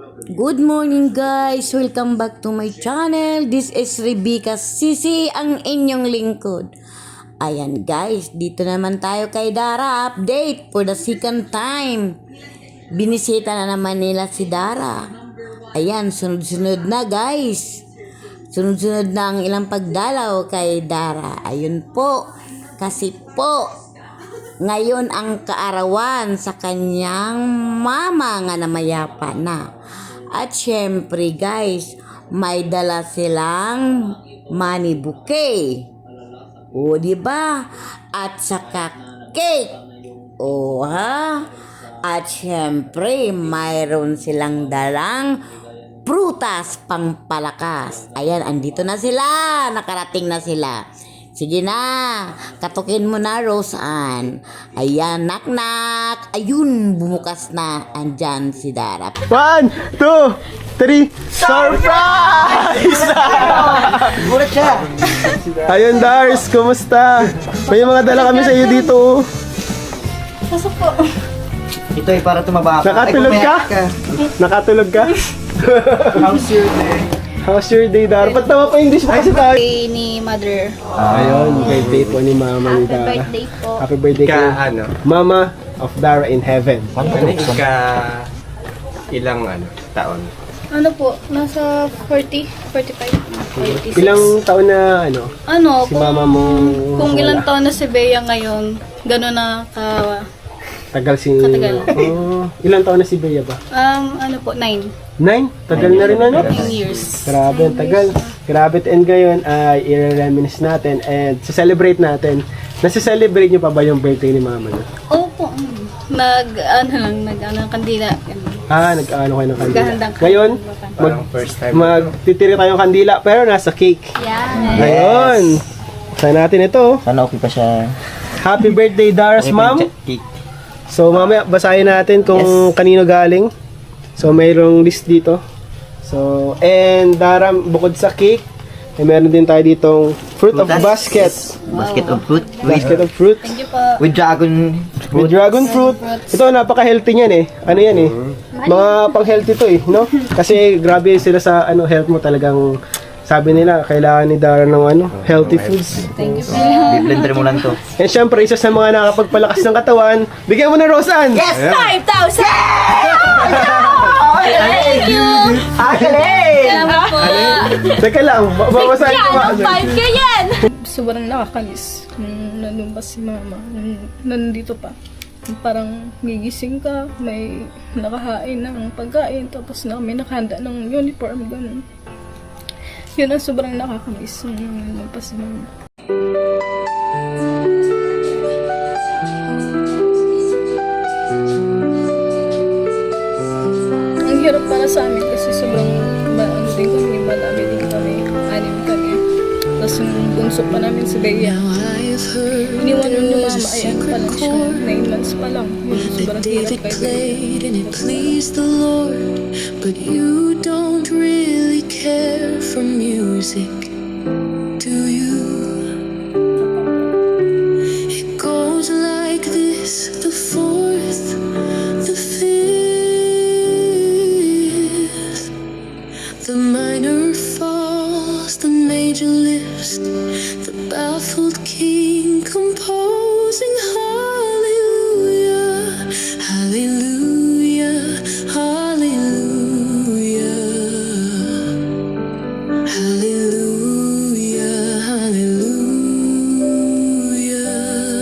Good morning guys! Welcome back to my channel. This is Rebecca Sisi, ang inyong lingkod. Ayan guys, dito naman tayo kay Dara. Update for the second time. Binisita na naman nila si Dara. Ayan, sunod-sunod na guys. Sunod-sunod na ang ilang pagdalaw kay Dara. Ayun po. Kasi po, ngayon ang kaarawan sa kanyang mama nga namayapa na. At syempre guys, may dala silang money bouquet. O diba? At saka cake. O ha? At syempre, mayroon silang dalang prutas pangpalakas. Ayan, andito na sila. Nakarating na sila. Sige na, katukin mo na, Roseanne. Ayan, knock-knock. Ayun, bumukas na. Andyan si Dara. 1, 2, 3, surprise! Gulat siya. Ayun, Dars, kumusta? May mga dala kami sa iyo dito. Pasok po. Ito ay para tumaba ka. Nakatulog ka? Nakatulog ka? How's your day? How's your day, Dar? Ba't naman pa English pa kasi tayo? Birthday ni Mother. Ayun, birthday po ni Mama ni Happy Dara. birthday po. Happy birthday Ika, ka, ano? Mama of Dara in heaven. Ika, ilang taon? Ano po? Nasa 40, 45, 46. Ilang taon na, Ano, si Mama mo kung wala? ilang taon na si Bea ngayon, gano'n na Tagal si... Katagal. Oh, ilang taon na si Bea ba? ano po, 9 9? Tagal na rin 9 years. Grabe, ang tagal. Grabe, and ngayon ay i-reminisce natin and celebrate natin. Nasa-celebrate niyo pa ba yung birthday ni Mama niyo? Opo. Kandila. Nag-ano kayo ng kandila. Naghahandang Ngayon, Parang first time. magtitiri tayong kandila pero nasa cake. Yeah. Ngayon, buksan natin ito. Sana okay pa siya. Happy birthday, Dara's mom. So, mamaya basahin natin kung kanino galing. So, mayroong list dito. So, and Dara, bukod sa cake, ay meron din tayo ditong fruit of basket. Basket of fruit. Basket of fruit. Thank you po. With dragon With dragon fruit. Ito, napaka-healthy niyan eh. Ano yan eh? Mga pang-healthy to eh, no? Kasi grabe sila sa health mo talagang sabi nila, kailangan ni Dara ng healthy foods. Thank you po. Blender mo lang to. And syempre, isa sa mga nakapagpalakas ng katawan, bigyan mo na Roseanne! Yes! 5,000! Thank you! Salamat po. Teka lang, babasahin ko ba? 5K yan! Sobrang nakakalis nung nandun pa si Mama, nung nandito pa. Parang gigising ka, may nakahain ng pagkain, tapos may nakahanda ng uniform, ganun. Yun ang sobrang nakakamiss nung nandun pa si Mama. Ang hirap para sa amin kasi sobrang din kami, madami din kami, 6 kami. Tapos yung bunso pa namin si Bea. Iniwan nun yung mama, ayan pa lang siya, 9 months pa lang. Yun, sobrang hirap kay Bea. And it pleased the Lord, but you don't really care for music, do you? It goes like this, the fourth, the fifth, the minor falls, the major lifts, the baffled king composing hallelujah, hallelujah, hallelujah, hallelujah, hallelujah.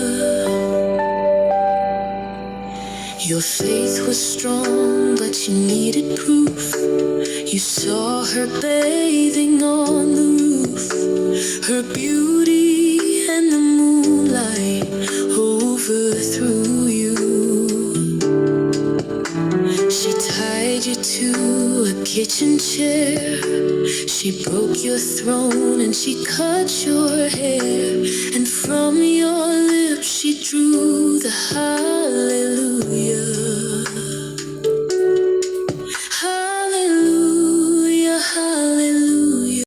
Your faith was strong, but you needed proof. You saw her bathing on the roof, her beauty and the moonlight overthrew you. She tied you to a kitchen chair, she broke your throne and she cut your hair, and from your lips she drew